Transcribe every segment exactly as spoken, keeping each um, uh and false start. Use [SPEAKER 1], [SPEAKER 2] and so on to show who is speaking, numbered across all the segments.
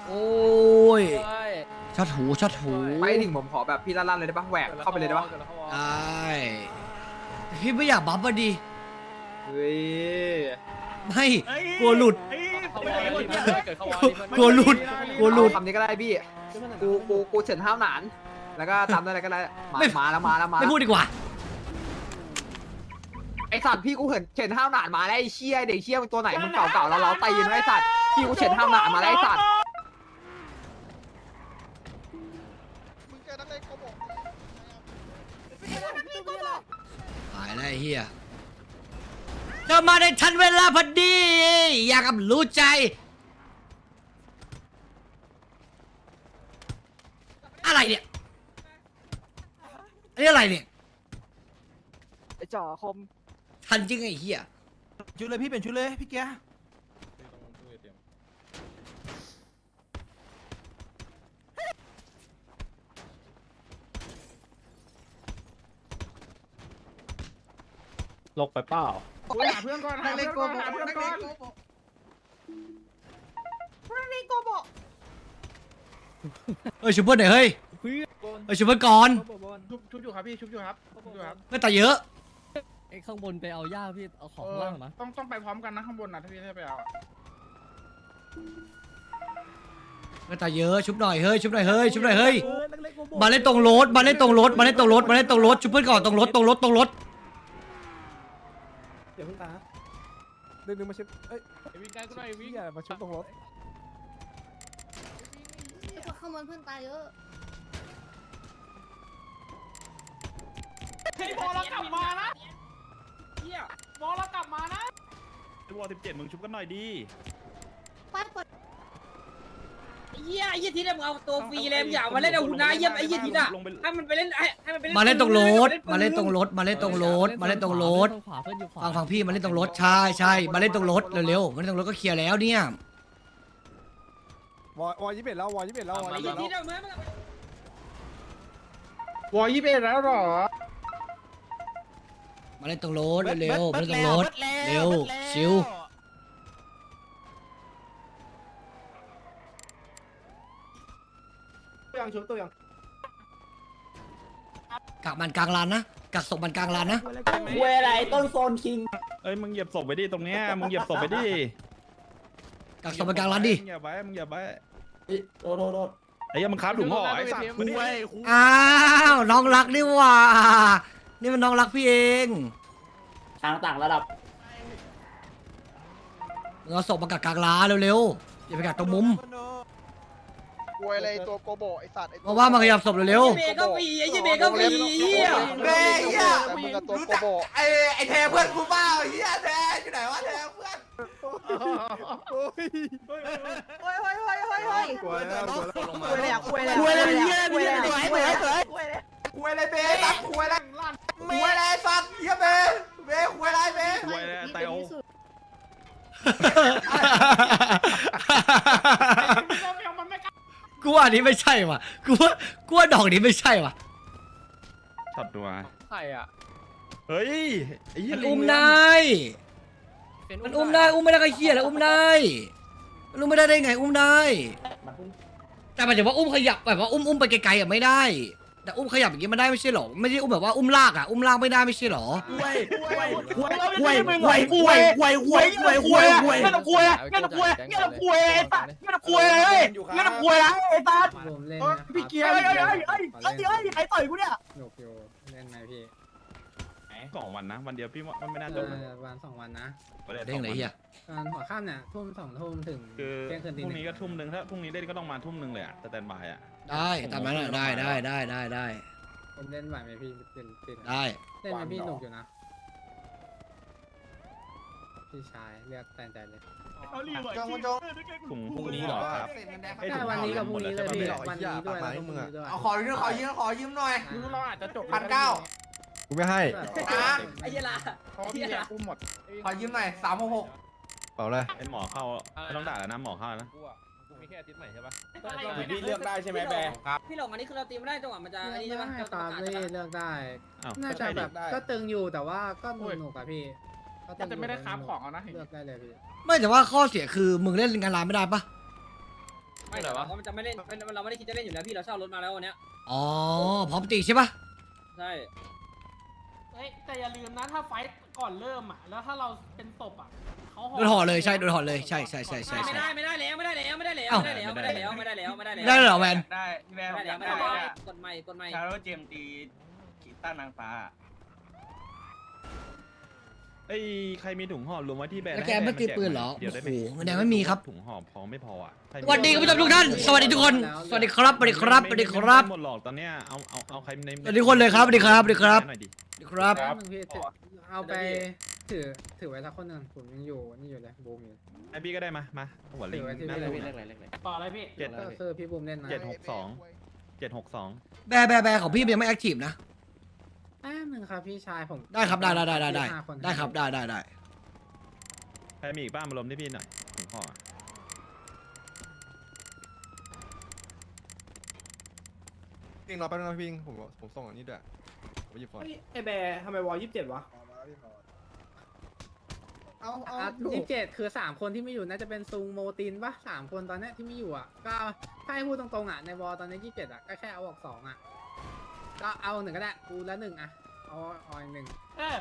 [SPEAKER 1] โอ้ยช็อตหูช็อตหู
[SPEAKER 2] ไปถึงผมขอแบบพี่ลั่นๆเลยได้ปะแหวกเข้าไปเลยได้ปะ
[SPEAKER 1] ได้พี่ไม่อยากบัฟอ่ะดิ
[SPEAKER 2] เฮ้ย
[SPEAKER 1] ไม่กลัวหลุดกลัวหลุดกลัวหลุด
[SPEAKER 2] คำนี้ก็ได้พี่กูกูกูเฉินห้าวหนานแล้วก็ตามได้อะไรก็ได้มามาแล้วมาแล้วมา
[SPEAKER 1] ไม่พูดดีกว่า
[SPEAKER 2] ไอสัตว์พี่กูเห็นเฉินห้าวหนานมาแล้วไอเชี่ยเด็กเชี่ยมันตัวไหนมันเก่าๆแล้วเราตีนไอสัตว์พี่กูเฉินห้าวหนานมาแล้วไอสัตว์
[SPEAKER 1] หายแล้วไอ้เฮียเธอมาในทันเวลาพอดี อยากกับรู้ใจ อะไรเนี่ยอันนี้อะไรเนี่ย
[SPEAKER 2] ไอจ่อคม
[SPEAKER 1] ทันจริงไอ้เฮีย
[SPEAKER 3] ชุดเลยพี่เป็นชุดเลยพี่แก
[SPEAKER 4] ลกไปเปล่า
[SPEAKER 2] หาเพื่อนก่อนหาเพื่อนก่อนหาเพื่อนก่อน
[SPEAKER 1] เอ้ยชุบเพื่อนหน่อยเฮ้ยเอ้ยชุบเพื่อนก่อน
[SPEAKER 2] ชุบชุบอยู่ครับพี่ชุบอยู่ครับชุบอยู่ครับ
[SPEAKER 1] ไม่ตายเยอะ
[SPEAKER 4] ไอ้ข้างบนไปเอาย่าพี่เอาของข้างล่างนะ
[SPEAKER 2] ต้องต้องไปพร้อมกันนะข้างบนนะถ้าพี่จะไปเอา
[SPEAKER 1] ไม่ตายเยอะชุบหน่อยเฮ้ยชุบหน่อยเฮ้ยชุบหน่อยเฮ้ยมาเล่นตรงรถมาเล่นตรงรถมาเล่นตรงรถมาเล่นตรงรถชุบเพื่อนก่อนตรงรถตรงรถตรงรถ
[SPEAKER 3] เดี๋ยวเพิ่งตาดึงดึงมาชุบเอ้ย
[SPEAKER 2] วิ่งใกล้ก็ได้วิ่ง
[SPEAKER 3] อย่ามาชุบตรงรถ
[SPEAKER 5] ข้างบนเพื่อนตายเยอะ
[SPEAKER 2] ไอ้บอลเรากลับมานะเฮียบอลเรากลับมานะ
[SPEAKER 6] วอลสิบเจ็ดมึงชุบกันหน่อยดี
[SPEAKER 5] ไปเปิด
[SPEAKER 7] เยี่ยไอ้ยี่ทีเนี่ยมึงเอาตัวฟรีเลยมึงอย่ามาเล่นเอาหุ่นนะเยี่ยไอ้ยี่ทีน่ะให้มันไปเล่นให้มันไปเล่น
[SPEAKER 1] มาเล่นตรงรถมาเล่นตรงรถมาเล่นตรงรถมาเล่นตรงรถ
[SPEAKER 4] ขวาเพื่อนอยู่ขวา
[SPEAKER 1] ฟังฟังพี่มาเล่นตรงรถใช่ใช่มาเล่นตรงรถเร็วๆมาเล่นตรงรถก็เคลียร์แล้วเนี่ยว
[SPEAKER 3] อวอยี่สิบเอ็ดแล้ววอยี่สิบเอ็ดแล้ววอ
[SPEAKER 7] ไอ้
[SPEAKER 3] ยี่สิบ
[SPEAKER 7] ยี่
[SPEAKER 3] เอ็ด
[SPEAKER 7] ที
[SPEAKER 3] แล้ว
[SPEAKER 7] เนี่ยมึง
[SPEAKER 2] วอยี่สิบเอ็ดแล้วหรอ
[SPEAKER 1] มาเล่นตรงรถเร็วๆมาเล่นตรงรถเร็วชิว
[SPEAKER 3] ตัวยังชุบตัวยัง
[SPEAKER 1] กักมันกลางลานนะกักศพมันกลางลานนะ
[SPEAKER 7] คุยอะไรต้นโซนคิง
[SPEAKER 6] เอ้ยมึงเหยียบศพไปดิตรงเนี้ยมึงเหยียบศพไปดิ
[SPEAKER 1] กักศพมันกลางลานดิ
[SPEAKER 6] มึงอย่าไปมึงอย่าไป
[SPEAKER 7] โดนโดนโดน
[SPEAKER 6] ไอ้ยังมึงครับถุงห่อไอ้สัตว์มึงไว้
[SPEAKER 1] อ้าวน้องรักนี่หว่านี่มันน้องรักพี่เอง
[SPEAKER 7] ทางต่างระดับ
[SPEAKER 1] มึงเอาศพมากักกลางลานเร็วๆอย่าไปกักตรงมุม
[SPEAKER 8] กวยอะไรตัวโกโบไอสัตว์ไอ
[SPEAKER 1] เพราะว่ามันขยับศพเร็ว
[SPEAKER 7] เบก็ฟรีไอ้ยี่เบก็ฟรีเยี่ย
[SPEAKER 8] เฮ้ยเฮียมึงกับตัวโกโบ
[SPEAKER 2] ไอไอแทเพื่อนกูเปล่าเฮียแทอยู่ไหนวะแทเพื่อน
[SPEAKER 3] โอ้ย
[SPEAKER 5] เฮ้ยเฮ้ยเฮ้ยเฮ้ยเฮ้ย
[SPEAKER 3] กลัวแล้วกลัวแล้ว
[SPEAKER 5] คุยเลยอ่ะคุยเลย
[SPEAKER 7] คุยอะไรเยี่ย
[SPEAKER 5] คุย
[SPEAKER 7] เยี่
[SPEAKER 5] เลย ย
[SPEAKER 7] สวยสวยสวย
[SPEAKER 5] คุยเลย
[SPEAKER 2] คุยอะไรเบ้ตัดคุยอะไรคุยอะไรสัตว์เฮียเบ้เบ้คุยอะไรเบ้
[SPEAKER 6] ไว้แล้วไตโอ
[SPEAKER 1] กูว่าอันนี้ไม่ใช่ว่ะกูว่ากูว่าดอกนี้ไม่ใช่ว่ะ
[SPEAKER 6] ช็อตตัว
[SPEAKER 2] ใครอ่ะ
[SPEAKER 6] เฮ้ยไอ้ยี่
[SPEAKER 1] มันอุ้มได้มันอุ้มได้อุ้มไม่ได้ก็เหี้ยแล้วอุ้มได้มันอุ้มไม่ได้ได้ไงอุ้มได้แต่หมายถึงว่าอุ้มขยับแบบว่าอุ้มอุ้มไปไกลๆอ่ะไม่ได้แต่อุ้มขยับอย่างงี้มันได้ไม่ใช่หรอไม่ใช่อุ้มแบบว่าอุ้มลากอ่ะอุ้มลากไม่ได้ไม่ใช่หรอ
[SPEAKER 7] คุยคุยคุยคุยคุยคุยคุยคุยคุยคุยไม่ต้องคุยไม่ต้องคุยไม่ต้องคุยไอ้สัตว์ไม่ต้องคุยเลยไม่ต้องคุยนะไอ้สัตว์
[SPEAKER 2] ผมเล่น
[SPEAKER 7] พี่เกียร์ไอ้ไอ้ไอ้ไอ้ไอ้ใครต่อยกูเนี่ย
[SPEAKER 2] หนุกอยู่เล่นไหมพี่
[SPEAKER 6] สองวันนะวันเดียวพี่ว่ามันไม่น่าจบนะ
[SPEAKER 2] วันสองวันนะ
[SPEAKER 1] เด้งเลยเฮีย
[SPEAKER 2] ตอนหัวค่ำเนี่ยทุ่มสองทุ่มถึง
[SPEAKER 6] คือ
[SPEAKER 2] เที่ยงคืน
[SPEAKER 6] พ
[SPEAKER 2] ตี
[SPEAKER 6] รุ่ง
[SPEAKER 2] ห
[SPEAKER 6] นี้ก็ทุ่มหนึ่งถ้าพรุ่งนี้เล่นก็ต้องมาทุ่มหนึ่งเลยอะสแตนบายอะ
[SPEAKER 1] ได้ตามนั้นอะได้ได้ได้ได้ได้
[SPEAKER 2] ผมเล่นไหวไหมพี่เป็นเป็น
[SPEAKER 1] ได้
[SPEAKER 2] เล่นไหมพี่หนุกอยู่นะพี่ชายเลือกแฟนใจเลย
[SPEAKER 8] จงจง
[SPEAKER 6] ถุงพรุ่งนี้เหรอครับ
[SPEAKER 2] ใช่วันนี้กับพรุ่งนี้เลยพี่วันนี้ด้วยแล้วพรุ่งนี้ด้วย
[SPEAKER 8] เอาขอยืมขอยืมขอยืมหน่อย
[SPEAKER 2] เราอาจจะจบ
[SPEAKER 8] พันเก้า
[SPEAKER 3] กูไม่ให้
[SPEAKER 7] ไอ้เหี้ยละ
[SPEAKER 2] เพราะพี่เนี่ยกูหมด
[SPEAKER 8] ขอยืมหน่อยสามหกหก
[SPEAKER 3] เปล่าเลย
[SPEAKER 6] ไอ้หมอเข้าไม่ต้องด่าแล้วนะหมอเข้านะ
[SPEAKER 2] มีแค่อาทิตย์ใหม่ใช่ปะ
[SPEAKER 7] พี่เลือกได้ใช่ไหมแบร์ครับพี่หลงอันนี้คือเราตีไม่ได้จังหวะมันจะอันนี้ใช่ปะ
[SPEAKER 2] ตามเลยเลือกได้
[SPEAKER 6] อ้าว
[SPEAKER 2] น่าจะแบบก็ตึงอยู่แต่ว่าก็หนุกอะพี่
[SPEAKER 8] จะไม่ได้คราฟของเอานะ
[SPEAKER 2] เลือกได้เลยพี่
[SPEAKER 1] ไม่แต่ว่าข้อเสียคือมึงเล่นงานร้านไม่ได้ปะ
[SPEAKER 7] ไ
[SPEAKER 9] ไม่แต่ว่ามันจะไม่เล่นเราไม่ได้คิดจะเล่นอยู่แล้วพี่เราเช่ารถมาแล้ววันเนี้ย
[SPEAKER 1] อ๋อพร้อมตีใช่ปะ
[SPEAKER 9] ใช่
[SPEAKER 7] เฮ้ยแต่อย่าลืมนะถ้าไฟท์ก่อนเริ่มอ่ะแล้วถ้าเราเป็นศพอ่ะเขา
[SPEAKER 1] โดนห่อเลยใช่โดนห่อเลยใช่ใช่ใช่ใช่
[SPEAKER 9] ไม่
[SPEAKER 1] ใช่
[SPEAKER 9] ได้ไม่ได้แล้วไม่ได้แล้วไม่ได้แล้ว
[SPEAKER 1] เอ้า
[SPEAKER 9] ไม่ได้แล้วไม่ได้แล้วไม่ได้แล้วไม่ได้แล้ว
[SPEAKER 1] ได้เหรอแวน
[SPEAKER 10] ได้พี่แม่
[SPEAKER 9] ไม่ได้แล้วไม่ได้แล้วกดใหม่กดใหม่
[SPEAKER 10] ชาโรเจมตีกีต้านางฟ้า
[SPEAKER 6] ไอ้ใครมีถุงห่อรวมไว้ที่แบรนด์
[SPEAKER 1] แล้วแกไม่ตีปืนเหรอ
[SPEAKER 6] เดี๋ยวได้ไหม
[SPEAKER 1] โอ้โหแดงไม่มีครับ
[SPEAKER 6] ถุงห่อพอไม่พออ่ะใครมี
[SPEAKER 1] สวัสดีคุณผู้ชมทุกท่านสวัสดีทุกคนสวัสดีครับสวัสดีครับสวัสดีครับ
[SPEAKER 6] ไม่หมดหรอกตอนเนี้ยเอาเอาเอาใครใน
[SPEAKER 1] สวัสดีคนเลยครับสวัสดีครับสวัสดีครับ
[SPEAKER 6] หน่อยดิ
[SPEAKER 1] สวัสดีครับ
[SPEAKER 2] แป๊บนึงพี่ถือเอาไปถือถือไว้สักคนหนึ่งผมยังอยู่นี่อยู่เลยบูมอยู่
[SPEAKER 6] ไอพี่ก็ได้มามาหัวลิง
[SPEAKER 2] ถือไว้ที่
[SPEAKER 6] น่า
[SPEAKER 2] พี่
[SPEAKER 6] จะ
[SPEAKER 2] เลย
[SPEAKER 7] ต่ออะไรพี่
[SPEAKER 6] เจ็ด
[SPEAKER 2] ก็คือพี่บูมเล่นนะ
[SPEAKER 6] เจ็ดหกสอง เจ็ดหกสอง
[SPEAKER 1] แบร์แบร์แบร์ของพี่ยังไม่แอคทีฟนะ
[SPEAKER 2] แป๊บนึงครับพี่ชายผม
[SPEAKER 1] ได้ครับได้ได้ได้ได้ได้
[SPEAKER 2] ห้าคน
[SPEAKER 1] ได้ครับได้ได้ได้
[SPEAKER 6] ใครมีอีกบ้างมารวมที่พี่หน่อยถุงห่ออะ
[SPEAKER 3] พิงรอแป๊บนึงนะพิงผมผมส่งอันนี้ด้วยผมหยิบก่อน
[SPEAKER 7] ไอแบร์ทำไมวอลยี่สิบเจ็ดวะ
[SPEAKER 5] เอาเอา
[SPEAKER 2] ยี่สิบเจ็ดคือสามคนที่ไม่อยู่น่าจะเป็นซุงโมตินปะสามคนตอนเนี้ยที่ไม่อยู่อ่ะก็ถ้าให้พูดตรงๆอ่ะในวอลตอนนี้ยี่สิบเจ็ดอ่ะก็แค่เอาออกสองอ่ะก็เอาหนึ่งก็ได้กูละหนึ่งอ่ะเอาเอาอีกหนึ่ง
[SPEAKER 7] เออ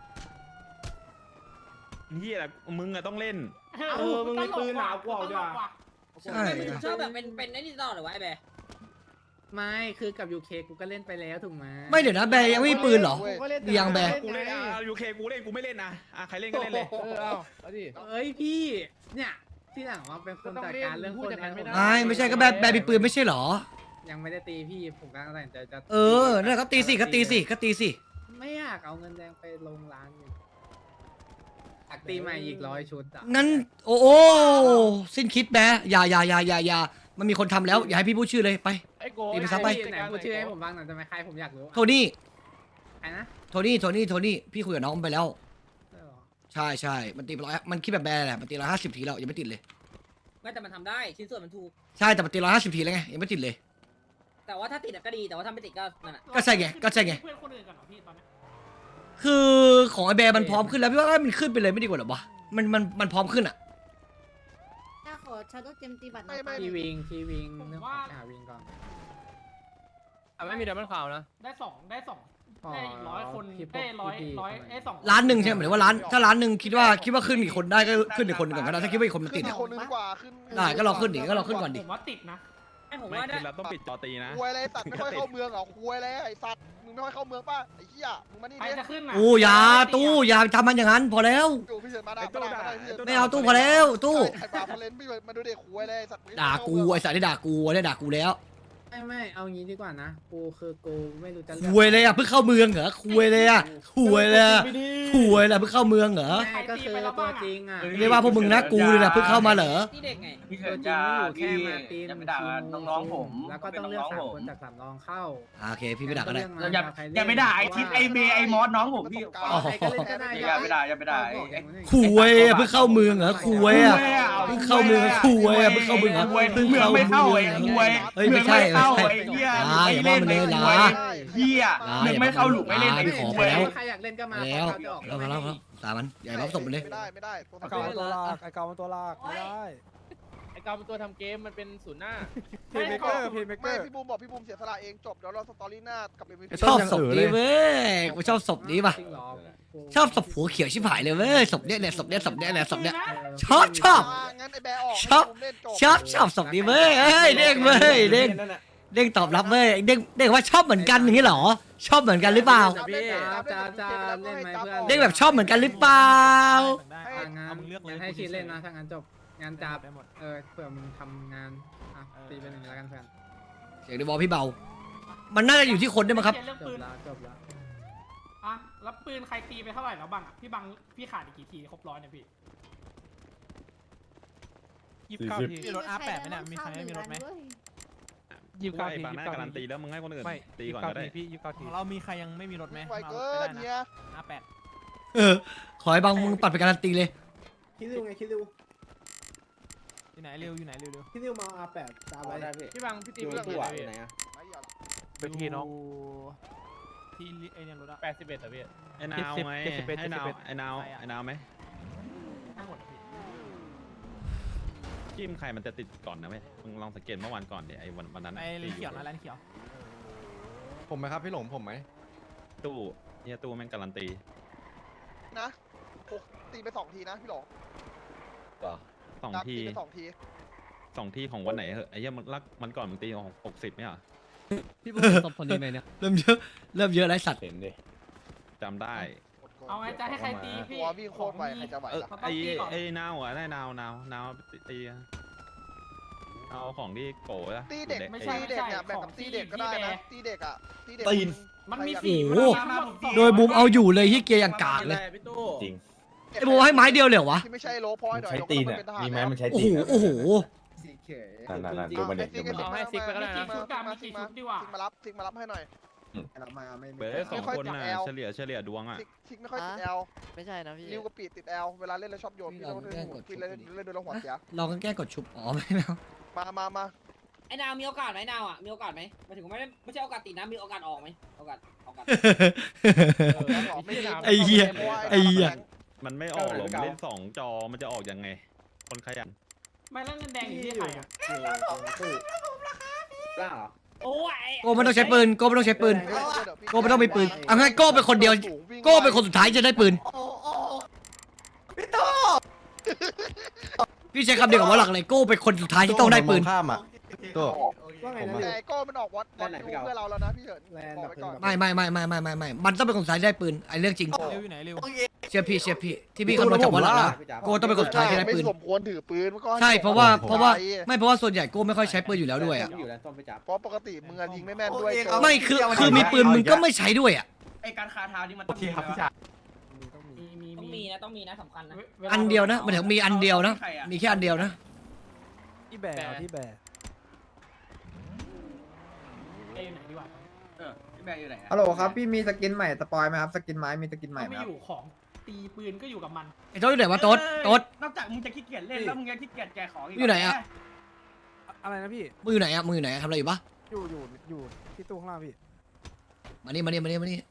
[SPEAKER 6] เฮียอะไรมึงอะต้องเล่น
[SPEAKER 7] เออมึงมีปืนหนาวกว่าจ้ะ
[SPEAKER 1] ใช่
[SPEAKER 9] ไม่ชอบแบบเป็นเป็นไอ้นี่ตลอดหรือวะไอ้แบร์
[SPEAKER 2] ไม่คือกับยูเคกูก็เล่นไปแล้วถูกไหม
[SPEAKER 1] ไม่เดี๋ยวนะแบร์ยังไม่มีปืนเหรอ ยังแบร์
[SPEAKER 6] กูเล่นอ่ะยูเคกูเล่นกูไม่เล่นนะอ่ะใครเล่นก็เล่นเลย
[SPEAKER 3] เออเอาเอาดิ
[SPEAKER 2] เอ้ยพี่เนี่ยที่หลังว่าเป็นคนจัดการเรื่องคนให้ผม
[SPEAKER 1] ไม่ไม่ใช่ก็แบร์แบร์มีปืนไม่ใช่เหรอ
[SPEAKER 2] ยังไม่ได้ตีพี่ผมกำลังตัดสินใจจะ
[SPEAKER 1] เออนั่นแหละก็ตีสิก็ตีสิก็ตีสิ
[SPEAKER 2] ไม่อยากเอาเงินแดงไปลงร้านอยู่อยากตีใหม่อีกร้อยชุดอ่ะ
[SPEAKER 1] งั้นโอ้โอ้สิ้นคิดแบร์อย่าอย่าอย่าอย่าอย่ามันมีคนทำแล้วอย่าให้พี่พูดชื่อเลยไป
[SPEAKER 7] ไอโก
[SPEAKER 1] ตีไปซะไป
[SPEAKER 2] ไหนพูดชื่อให้ผมบ้างหน่อยได้ไหมใครผมอยากรู้
[SPEAKER 1] โทนี่
[SPEAKER 2] ใครนะ
[SPEAKER 1] โทนี่โทนี่โทนี่พี่คุยกับน้องมันไปแล้ว
[SPEAKER 2] ใช่เหรอ
[SPEAKER 1] ใช่ใช่มันตีร้อยมันคิดแบบแบร์แหละมันตีร้อยห้าสิบทีแล้วยังไม่ติดเลย
[SPEAKER 9] ไม่แต่มันทำได้ชิ้นส่วนมันถูก
[SPEAKER 1] ใช่แต่มันตีร้อยห้าสิบทีแล้วไงยังไม่ติดเลย
[SPEAKER 9] แต่ว่าถ้าติดอะก็ดีแต่ว่าถ้าไม่ติดก็นั่นแหละ
[SPEAKER 1] ก็ใช่ไงก็ใช่ไง
[SPEAKER 7] เพื่อนคนอื่นกันเหรอพี่ตอนนี้
[SPEAKER 1] คือของไอแบร์มันพร้อมขึ้นแล้วพี่ว่ามันขึ้นไปเลยไม่ดีกว่าหรอวะมันมันมันพร้อมขึ้นอ่ะ
[SPEAKER 5] ถ้าขอชาโดว์เจมตีบัตร
[SPEAKER 8] ไม่ไม่
[SPEAKER 2] ทีวิงทีวิงเรื่องของไปหาวิงก่อน
[SPEAKER 4] อ่ะไม่มีเดมอนข่าวนะ
[SPEAKER 7] ได้สองได้สอง
[SPEAKER 2] อ๋อ
[SPEAKER 7] ได้อีกร้อยคน
[SPEAKER 2] พี่
[SPEAKER 7] ได้ร้อย
[SPEAKER 2] พี่
[SPEAKER 7] ร้อย
[SPEAKER 2] ทำไม
[SPEAKER 7] ไอ้สอง
[SPEAKER 1] ล้านหนึ่งใช่ไหมหมายถึงว่าล้านถ้าล้านหนึ่งคิดว่าคิดว่าขึ้นอีกคนได้ก็ขึ้นอีกคนหนึ่งก่อนก็ได้ถ้าคิดว่าอีกคนมัน
[SPEAKER 8] ขึ้
[SPEAKER 1] ติ
[SPEAKER 8] น
[SPEAKER 1] ด
[SPEAKER 8] อี
[SPEAKER 1] อะ
[SPEAKER 8] กคนนึงดีกว่าขึ้น
[SPEAKER 1] ได้ก็รอขึ้นดิก็รอขึ้นก่อนดิ
[SPEAKER 7] ผมว่าติดนะ
[SPEAKER 9] ไอ้ผม
[SPEAKER 6] ไม่
[SPEAKER 9] ว่าได้
[SPEAKER 6] คือเราต้องปิดจอตีนะ
[SPEAKER 8] ควยอะไรสัตว์ไม่ค่อยเข้าเมืองเหรอควยอะไรไอ้สัตว์มึงไม่ค่อยเข้าเมืองป่ะไอ้เหี้ยมึงมานี่
[SPEAKER 7] ใคร
[SPEAKER 8] ดิ
[SPEAKER 7] จะขึ้นอ่ะ
[SPEAKER 1] ตู้อยาตู้อย่าทำมันอย่างนั้นพอแล้ว
[SPEAKER 8] อยู่พี่เฉินมาด่า
[SPEAKER 6] ไอ้ตู้
[SPEAKER 8] มาด่า
[SPEAKER 6] ด่า
[SPEAKER 8] มาด่าพี่เฉิน
[SPEAKER 1] ไม่เอาตู้พอแล้วตู้
[SPEAKER 8] ไอ้บาพเลนพี่มาดูเด็กควยอะไรไอ้สัตว์มึงไม่
[SPEAKER 1] ด่า
[SPEAKER 8] เข้
[SPEAKER 1] กู
[SPEAKER 8] เมือง
[SPEAKER 1] ไอสายที่ด่ากูเนี่ยด่ากูแล้ว
[SPEAKER 2] ไม่ไม่เอางี้ดีกว่านะกูคือกูไม่รู้จะเลื
[SPEAKER 1] คุยเลยอ่ะเพิ่งเข้าเมืองเหรอคุยเลยอ่ะคุยเลยอะคุยเลยเพิ่งเข้าเมืองเหรอ
[SPEAKER 2] ไม่ก็คือตัวจริงอ่ะ
[SPEAKER 1] เรียกว่าพวกมึงนะกูเลยนะเพิ่งเข้ามาเหรอ
[SPEAKER 9] ที่เด็กไง
[SPEAKER 10] พี่
[SPEAKER 2] ตั
[SPEAKER 10] เกิ
[SPEAKER 2] ว
[SPEAKER 10] ด
[SPEAKER 2] จริ
[SPEAKER 10] จะ
[SPEAKER 2] งไม่อยู่
[SPEAKER 10] พี่
[SPEAKER 2] แค่มาตีน
[SPEAKER 10] จะไปด่าน้องๆผม
[SPEAKER 2] แล้วก็ต้องเลือกสามคนจากสามรองเข้า
[SPEAKER 1] อ่าโอเคพี่ไม่ด่าก็ได้
[SPEAKER 10] อย่าอย่าไปด่าไอทิศไอเบไอมอสน้องผมพี่
[SPEAKER 1] อ๋อ
[SPEAKER 2] ใครก็เล่นก็ได้
[SPEAKER 10] อย่าไปด่าอย่าไปด่าไอ้ไอ้
[SPEAKER 1] คุยอะเพิ่งเข้าเมืองเหรอคุยอะเพิ่งเข้าเมืองคุยอะเพิ่งเข้าเมืองเหรอ
[SPEAKER 10] คุย
[SPEAKER 1] เพิ่ง
[SPEAKER 10] เมือง
[SPEAKER 1] เข้า
[SPEAKER 10] ไม่
[SPEAKER 1] เมื
[SPEAKER 10] เข้า
[SPEAKER 1] อง
[SPEAKER 10] ไอ้คุย
[SPEAKER 1] เฮ้ยไม่ใช่
[SPEAKER 10] เมือง
[SPEAKER 1] ไม่
[SPEAKER 10] เข้า
[SPEAKER 1] ใช่
[SPEAKER 10] ไอ้เหี้ย
[SPEAKER 1] อ่าอย่าว่ามันเลยนะ
[SPEAKER 10] เหี้ยเมืองไม่เข้าหลุมไม่เล่นไอ้
[SPEAKER 1] พี่ขอ
[SPEAKER 10] คุ
[SPEAKER 1] ไป
[SPEAKER 10] ย
[SPEAKER 1] แล้ว
[SPEAKER 2] ใครอยากเล่นก็มา
[SPEAKER 1] แล้ว
[SPEAKER 2] เขาจะออก
[SPEAKER 1] แล้วแล้วแล้วตามมันอย่ารับศพมันเลย
[SPEAKER 8] ไม่ได้ไม่ได้ตัว
[SPEAKER 3] ไอ้
[SPEAKER 8] ทำ
[SPEAKER 3] เกา
[SPEAKER 8] เกม
[SPEAKER 3] มันตัวลากไอ้เกามันตัวลากไม่ได้
[SPEAKER 4] ไอ้กาวเป็นตัวทำเกมมันเป็นศูนย์หน้า
[SPEAKER 3] เพย์เมเกอร์เพย์เมเก
[SPEAKER 8] ไม่
[SPEAKER 3] อร์
[SPEAKER 8] พี่บูมบอกพี่บูมเสียสละเองจบเดี๋ยวเราสตอรี่หน้ากับเอ็มวี
[SPEAKER 1] ชอบศพนี้เว้ยกูชอบศพนี้ป่ะ
[SPEAKER 2] จริงเหรอ
[SPEAKER 1] ชอบศพหัวเขียวชิบหายเลยเว้ยศพเนี้ยเนี่ยศพเนี้ยศพเนี้ยเนี่ยศพเนี้ย ชอบชอบ
[SPEAKER 8] งั้นไอ้แบร์ออก
[SPEAKER 1] ชอบ
[SPEAKER 8] พี่บูมเล่นจบ
[SPEAKER 1] ชอบชอบศพนี้เว้ยเอ้ยเด้งเว้ยเด้งเด้งตอบรับเว้ยเด้งเด้งว่าชอบเหมือนกันอย่างนี้เหรอชอบเหมือนกันหรือเปล่า
[SPEAKER 2] พี่จะจะเล่นไหมเพื่อน
[SPEAKER 1] เด้งแบบชอบเหมือนกันหรือเปล่า
[SPEAKER 2] ทางงานงั้นให้คิดเล่นนะถ้างั้นจบงานจับเออเผื่อมึงทำงานอ่ะตีเป็นหนึ่งแล้วกันเพื่อน
[SPEAKER 1] เสียงในบอลพี่เบา มันน่าจะอยู่ที่คนด้วยมั้งครับ
[SPEAKER 7] เรื่อง
[SPEAKER 2] จ
[SPEAKER 7] ปื
[SPEAKER 2] บ
[SPEAKER 7] น
[SPEAKER 2] แล้วจบแล้ว
[SPEAKER 7] อ่ะแล้วปืนใครตีไปเท่าไหร่แล้วบังอ่ะพี่บังพี่ขาดอีกกี่ทีครบร้อยเนี่ยพี่
[SPEAKER 5] ยี่สิบเก้าทีมีรถ อาร์ แปด ไหมเนี่ยมีใครไม่มีรถไหม
[SPEAKER 6] ยี่สิบเก้าทีบางหน้าการันตีแล้วมึงให้คนอื่นตีก่อนก็ได้
[SPEAKER 5] ของเรามีใครยังไม่มีรถไหม
[SPEAKER 8] ไวเกินเนี่ย
[SPEAKER 5] อาร์แปด
[SPEAKER 1] เออ ขอให้บางมึงปัดไปการันตีเลย
[SPEAKER 2] คิดดูไงคิดดู
[SPEAKER 5] อยู่ไหนเร็วอยู่ไหนเร็วเร็ว
[SPEAKER 2] คิดดูมาอาแปดตามไป
[SPEAKER 4] พี่บังพี่ตี
[SPEAKER 8] อยู่
[SPEAKER 4] เรื่อง
[SPEAKER 8] ที่
[SPEAKER 4] อะไร
[SPEAKER 8] ไหน
[SPEAKER 4] พี่
[SPEAKER 8] อะไม่เอาหรอก
[SPEAKER 5] เป็นที่น้องที่ไอ้เนี่ยรถอะ
[SPEAKER 4] แปดสิบเอ็ดเหรอพี่
[SPEAKER 6] ไอ้นาวไหมให้นาวไอ้นาวไอ้นาวไหม
[SPEAKER 5] ทั้งหมดอะพี่
[SPEAKER 6] จิ้มใครมันจะติดก่อนนะเว้ยมึงลองสังเกตเมื่อวันก่อนเดี๋ยวไอ้วันวันนั้น
[SPEAKER 5] ไอ้เลนเขียวนะเลนเขียว
[SPEAKER 3] ผมไหมครับพี่หลงผมไหม
[SPEAKER 6] ตู้เนี่ยตู้แม่งการันตี
[SPEAKER 8] นะโอ้ตีไปสองทีนะพี่หลง
[SPEAKER 6] สอง
[SPEAKER 8] ครับ
[SPEAKER 6] ที
[SPEAKER 8] ตีไปสองที
[SPEAKER 6] สองทีของวันไหนเหอะไอ้เหี้ยมันรักมันก่อนมึงตีหกสิบไหมอ่ะ
[SPEAKER 1] พี่พูดตบคนนี้ไหมเนี่ยเริ่มเยอะเริ่มเยอะไรสัตว์
[SPEAKER 6] จำได้
[SPEAKER 5] เอาไงจะให้ใครตีพี่
[SPEAKER 8] ตัววิ่งโคตรไวใครจะไหว
[SPEAKER 6] เออ
[SPEAKER 8] ล่ะ
[SPEAKER 6] ไอ้ไอ้นาวอ่ะได้นาวนาวนาวตีอะเอาของที่โกะนะ
[SPEAKER 8] ตีเด็ก
[SPEAKER 5] ไม่ใช่
[SPEAKER 8] ตีเด็กเนี่ยแบ่งกับตีเด็กก็ได้นะตีเด็กอ่ะตีเด็ก
[SPEAKER 5] มันมี
[SPEAKER 8] ใคร
[SPEAKER 5] ฝี
[SPEAKER 8] อยาก
[SPEAKER 1] โอ้โหโดยบูมเอาอยู่เลยที่เกียร์อย่างกากเลย
[SPEAKER 7] จริง
[SPEAKER 1] ไอ้บูมให้ไม้เดียวเลยเหรอวะ
[SPEAKER 8] ที่ไม่ใช่โลพอยหน่อย
[SPEAKER 7] ใช้ตีนอ่ะมีไหมมันใช้
[SPEAKER 1] โอ้
[SPEAKER 7] ตี
[SPEAKER 1] โห
[SPEAKER 7] น
[SPEAKER 1] โอ้โห
[SPEAKER 7] นั่นนั่นนั่นดูมันเด็กดูมันเด็ก
[SPEAKER 4] เอาให้ซิกไปก็ได้นะ
[SPEAKER 8] ซิกมาซิกมาซิกมารับซิกมารับให้หน่อย
[SPEAKER 6] เบอร์สองคนน่ะเฉลี่ยเฉลี่ยดวงอ่ะ
[SPEAKER 8] ซิกซิกไม่ค่อยติดแอล
[SPEAKER 9] ไม่ใช่นะพี่
[SPEAKER 8] ริวกับปีดติดแอลเวลาเล่นแล้วชอบโยนพี่เล่นพี่เล่นเล่นโดนหัวเสีย
[SPEAKER 1] ลองกันแก้กดชุบอ๋อไม่เอา
[SPEAKER 8] มามามา
[SPEAKER 9] ไอ้นาวมีโอกาสไหมนาวอ่ะมีโอกาสไหมหมายถึงไม่ได้ไม่ใช่โอกาสติดนะมีโอกาสออกไหมโอกาสโอกาส
[SPEAKER 1] ไอ้เหี้ยไอ้เหี้ย
[SPEAKER 6] มันไม่ออกหรอกมันเล่นสองจอมันจะออกยังไง คนขยัน
[SPEAKER 5] ไม่แล้วเงินแดงอยู่ที่ใครอ่ะ
[SPEAKER 9] โอ้ย
[SPEAKER 1] โก้ไม่ต้องใช้ปืนโก้ไม่ต้องใช้ปืนโก้ไม่ต้องมีปืนเอางั้นโก้เป็นคนเดียวโก้เป็นคนสุดท้ายจะได้ปืนพี่ใช้คำเดียวกับว่าหลักเลยโก้เป็นคนสุดท้ายที่ต้องได้ปืน
[SPEAKER 3] ข้ามอ่ะตัว
[SPEAKER 8] แต่โก้มันออกวัดวัดดูเพื่อเราแล้วนะพี่เฉินบอกไว้ก่อน
[SPEAKER 1] ไม่ไม่ไม่ไม่ไม่ไม่ไม่มันต้องเป็นคนสุดท้ายที่ได้ปืนไอ้เรื่องจริง
[SPEAKER 5] เร็วอยู่ไหนเร็ว
[SPEAKER 1] เชื่อพี่เชื่อพี่ที่พี่คำนวณจากว่าหลักแล้วโก้ต้องเป็นคนสุดท้ายที่ได้ปืน
[SPEAKER 8] ไม่สมควรถือปืนมันก็
[SPEAKER 1] ใช่เพราะว่าเพราะว่าไม่เพราะว่าส่วนใหญ่โก้ไม่ค่อยใช้ปืนอยู่แล้วด้วยอ่ะ
[SPEAKER 8] เพราะปกติมึงยิงไม่แม่นด้วย
[SPEAKER 1] ไม่คือคือมีปืนมึงก็ไม่ใช้ด้วยอ่ะ
[SPEAKER 10] ไอการคาเท้านี่มัน
[SPEAKER 7] โอเคครับพี่ชาย
[SPEAKER 5] มีมี
[SPEAKER 9] ต้อง
[SPEAKER 5] มี
[SPEAKER 9] มีนะต้องมีนะสำคัญนะ
[SPEAKER 1] อันเดียวนะมันถึงมีอันเดียวนะมีแค่อันเดียวนะ
[SPEAKER 5] ที่แบร์ที่แบร์เอ้ยไหนดีกว่า
[SPEAKER 10] เออพี่แบร์อยู่ไหนอะ
[SPEAKER 2] ฮัลโหลครับพี่มีสกินใหม่สปอยไหมครับสกินไม้มีสกินใหม่
[SPEAKER 5] ถ้า
[SPEAKER 2] ไหม
[SPEAKER 5] ไม่
[SPEAKER 2] ครับ
[SPEAKER 5] อยู่ของตีปืนก็อยู่กับมัน
[SPEAKER 1] ไอ้โต๊ดอยู่ไหนวะโต๊ดโต๊ด
[SPEAKER 10] นอกจากมึงจะขี้เกียจเล่นแล้วมึงยังขี้เกียจแจกของอีก
[SPEAKER 1] อยู่ไหนอะ
[SPEAKER 5] อะไรนะพี่
[SPEAKER 1] มืออยู่ไหนอ่ะมืออยู่ไหนทำอะไรอยู่ปะ
[SPEAKER 5] อยู่อยู่อยู่ที่ตู้ข้างล่างพี่
[SPEAKER 1] มานี่มานี่มานี่มานี่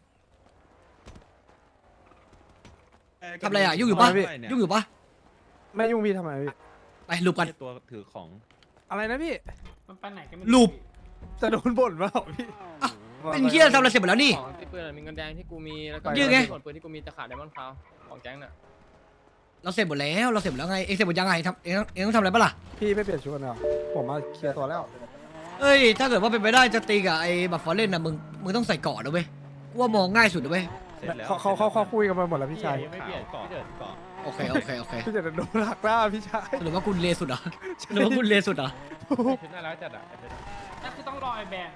[SPEAKER 1] ทำอะไรอ่ะยุ่งอยู่ปะยุ่งอยู่ปะ
[SPEAKER 5] ไม่ยุ่งพี่ทำไมพี่
[SPEAKER 1] ไปลูบกัน
[SPEAKER 6] ตัวถือของ
[SPEAKER 5] อะไรนะพี่มันไปไหนกัน
[SPEAKER 1] ลูบ
[SPEAKER 5] จะโดนบ่นเปล่าพี่
[SPEAKER 1] เป็นเฮียทำอะไรเสร็จหมดแล้วนี่
[SPEAKER 4] ของที่ปืนมีเงินแดงที่กูมีแล้วก็
[SPEAKER 1] ยืดไง
[SPEAKER 4] ส่วนปืนที่กูมีจะขาดไดมอนด์คาวของแก๊งน่ะ
[SPEAKER 1] เราเสร็จหมดแล้วเราเสร็จหมดแล้วไงเองเสร็จหมดยังไงทำเองเองต้องทำอะไรปะล่ะ
[SPEAKER 5] พี่ไม่เปลี่ยนชุดกันเหรอผมมาเคลียร์ตัวแล้ว
[SPEAKER 1] เอ้ยถ้าเกิดว่าเป็นไปได้จะตีกับไอ้บัฟฟอร์เรนนะมึงมึงต้องใส่เกาะนะเว้ยกูว่ามองง่ายสุดนะเว้ย
[SPEAKER 6] เสร็จแล้ว
[SPEAKER 5] เขาเขาเขาเขาคุยกันมาหมดแล้วพี่ชาย
[SPEAKER 4] ไม่เปลี่ยน
[SPEAKER 6] เกาะ
[SPEAKER 4] พี่เดิน
[SPEAKER 6] เกาะ
[SPEAKER 1] โอเคโอเคโอเค
[SPEAKER 5] พี่จะโดนหักหน้าพี่ชาย
[SPEAKER 1] หรือว่าคุณเลสุดเหรอหรือว่าคุณเลสุดเหรอ
[SPEAKER 4] ชุดน่ารักจัดอ่ะไอ้เพชร
[SPEAKER 5] นั่นคือต้องรอไอ้แบน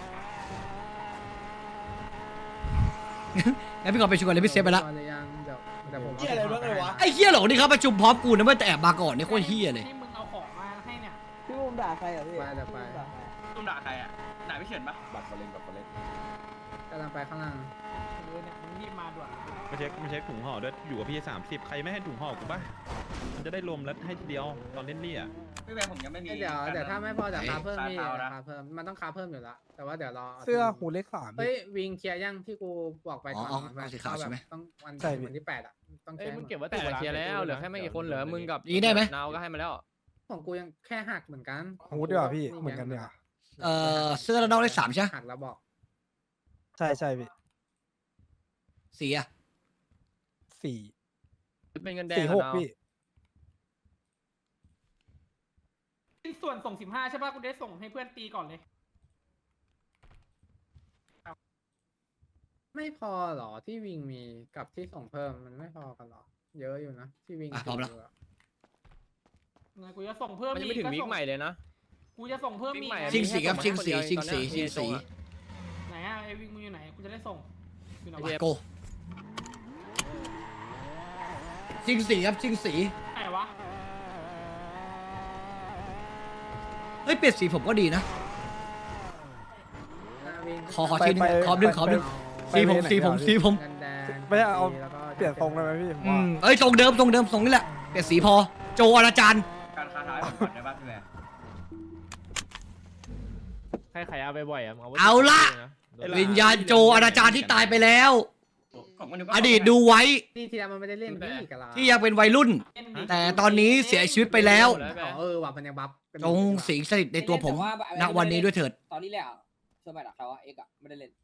[SPEAKER 1] งั้นพี่ก่อนไปชุมกันเลยพี่เซฟไปละ
[SPEAKER 2] ยังเดี๋ยวเดี๋ยวผม
[SPEAKER 7] เหี้ยอะไรบ้างเลยวะ
[SPEAKER 1] ไอ้เฮียเหรอนี่เขาประชุมพร้อมกูนะเว้ยแต่แอบมาก่อนนี่โคตรเฮียเลย
[SPEAKER 5] ที่มึงเอาของมาให้เนี่ย
[SPEAKER 2] พี่อุ้มด่าใครอ่ะพี่ไปเดี๋ยวไป
[SPEAKER 10] ตุ้มด่าใครอ่ะด่าพี่เฉินปะ
[SPEAKER 7] บัตรมาเล่นบัตรมาเล่น
[SPEAKER 2] กำลังไปข้างล่าง
[SPEAKER 5] เออเนี่ยมึงรีบมาด่วน
[SPEAKER 6] ไม่ใช่ไม่ใช่ถุงห่อด้วยอยู่กับพี่สามสิบใครไม่ให้ถุงห่อกูปะมันจะได้รวมแล้วให้ทีเดียวตอนเล่นนี่อ่ะ
[SPEAKER 10] พี่แบร์ผมยังไม่มี
[SPEAKER 2] เดี๋ยวเดี๋ยวถ้าไม่พอเดี๋ยวคาเพิ่มพี่คาเพิ่มมันต้องคาเพิ่มอยู่แล้วแต่ว่าเดี๋ยวรอ
[SPEAKER 5] เสื้อหูเล็กสาม
[SPEAKER 2] เฮ้ยวิงเคลียร์ยังที่กูบอกไป
[SPEAKER 1] อ๋อ
[SPEAKER 2] ก่อน
[SPEAKER 1] อ๋อ
[SPEAKER 2] มัน
[SPEAKER 1] เอาสีขาวใช่ไหม
[SPEAKER 2] ต้องวัน
[SPEAKER 5] ใช่พี่
[SPEAKER 2] วันที่แปดอ่ะต้อง
[SPEAKER 4] เอ้
[SPEAKER 2] แค่
[SPEAKER 4] ยมึงเก็บไว้แต่ละเคลียร์แล้วเหลือแค่ไม่กี่คนเหลือมึงกับ
[SPEAKER 1] อย่างนี้ได้ไหม
[SPEAKER 4] นาวก็ให้มาแล้ว
[SPEAKER 2] ของกูยังแค่หักเหมือนกัน
[SPEAKER 5] หูดีกว่าพี่เหมือนกันเนี่ย
[SPEAKER 1] เอ่อเสื้อแล้วนอกได้สามใช่ไหม
[SPEAKER 2] หักแล้วบอก
[SPEAKER 5] ใช่ใช่พี่
[SPEAKER 1] สีอะ
[SPEAKER 5] สี่
[SPEAKER 4] เป็นเงินแดง
[SPEAKER 5] สี่หก
[SPEAKER 4] อะนาว
[SPEAKER 5] พี่ส่วนส่งสิบห้าใช่ป่ะกูได้ส่งให้เพื่อนตีก่อนเลย
[SPEAKER 2] ไม่พอหรอที่วิงมีกับที่ส่งเพิ่มมันไม่พอกันหรอ เยอะอยู่นะที่วิง
[SPEAKER 1] อ่ะพร้อมแล้ว
[SPEAKER 5] ไงกูจะส่งเพิ่ม
[SPEAKER 4] มันยังไม่ถึงวีคใหม่เลยนะ
[SPEAKER 5] กูจะส่งเพิ่มมี
[SPEAKER 4] ใหม่
[SPEAKER 1] ชิงสีครับชิงสีชิงสีชิงสี
[SPEAKER 5] ไหนอะไอวิงมึงอยู่ไหนกูจะได้ส่งอยู่ไหน
[SPEAKER 1] มา
[SPEAKER 5] วะ
[SPEAKER 1] โกชิงสีครับชิงสี
[SPEAKER 5] ไหนวะ
[SPEAKER 1] เฮ้ยเปลี่ยนสีผมก็ดีนะขอขอทีนึงขอดึงขอดึงสีผมสีผมสีผม
[SPEAKER 5] ไม่ใช่เอาเปลี่ยนทรงได้ไหมพี่ผม
[SPEAKER 1] อื
[SPEAKER 5] ว่าม
[SPEAKER 1] เอ้ยทรงเดิมทรงเดิมทรงนี่แหละเปลี่ยนสีพอโจอาจารย์
[SPEAKER 10] การคาเท้าให้ผมก่อนได้ปะพี่แบร์
[SPEAKER 4] ใครขายเอาไปบ่อยอ่ะมึงเอาไว้
[SPEAKER 1] เอาละ
[SPEAKER 4] นะ
[SPEAKER 1] วิญญาณโจอาจารย์ที่ตายไปแล้ว
[SPEAKER 10] ผมก็นึกว่า
[SPEAKER 1] อดีตดูไว้
[SPEAKER 2] นี่ทีละมันไม่ได้เล่นพี่กับเรา
[SPEAKER 1] ที่ยังเป็นวัยรุ่น แต่ตอนนี้เสียชีวิตไปแล้ว
[SPEAKER 2] อ๋อเออว่ะมันยังบัฟกันอ
[SPEAKER 1] จ
[SPEAKER 2] ยู่
[SPEAKER 1] งสิงสถิตในตัวผมณวันนี้ด้วยเถิด
[SPEAKER 9] ตอนนี้แหละเชื่อไหมล่ะเขาว่าเอ็กอะไม่ได้เล่น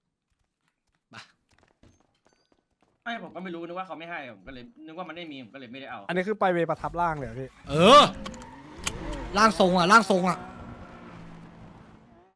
[SPEAKER 10] ไม่ผมก็ไม่รู้นึกว่าเขาไม่ให้ผมก็เลยนึกว่ามันไม่มีผมก็เลยไม่ได้เอา
[SPEAKER 5] อันนี้คือไปเวประทับร่างเลยเหรอพี่
[SPEAKER 1] เออร่างทรงอ่ะร่างทรงอ่ะ